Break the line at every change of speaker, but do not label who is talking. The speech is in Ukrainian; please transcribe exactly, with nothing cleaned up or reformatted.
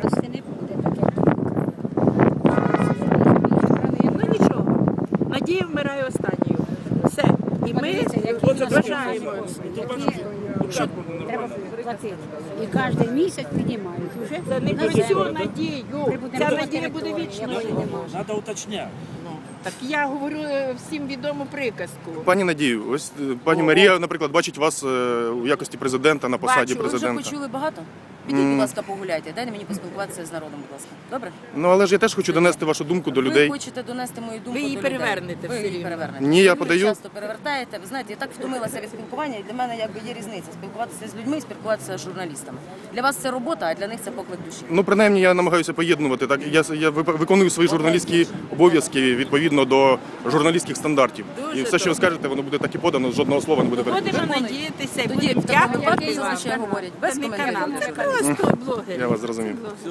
Радості не буде, так як
Ну нічого, надія вмирає останньою. Все. І ми вважаємо.
треба платити. І кожен місяць піднімають. Уже
Це не про всю надію. Ця надія буде вічною.
Надо уточнять.
Так я говорю е, всім відому приказку.
Пані Надію, ось е, пані Марія, наприклад, бачить вас е, у якості президента на посаді
Бачу,
Ви вже
президента.
почули багато? Підіть, будь ласка, погуляйте. Дайте мені поспілкуватися з народом, будь ласка. Добре?
Ну але ж я теж хочу донести вашу думку до людей.
Ви хочете донести мою думку
Ви її
до людей.
перевернете
Ви
все
її
рівно.
перевернете.
Ні, я
Ви
подаю.
часто перевертаєте. Ви знаєте, я так втомилася від спілкування, і для мене якби є різниця. Спілкуватися з людьми і спілкуватися з журналістами. Для вас це робота, а для них це поклик душі.
Ну, принаймні, я намагаюся поєднувати. Так, я, я вип- виконую свої журналістські обов'язки відповідно до журналістських стандартів.
Дуже
І все, що ви
добре.
скажете, воно буде так і подано, жодного слова не буде перекрито.
Будемо надіятися і
Тоді
будемо
в такому
дякувати
випадку
вам.
зазвичай говорять без
Це не
коментарів.
канал, це просто блогер.
Я вас зрозумів.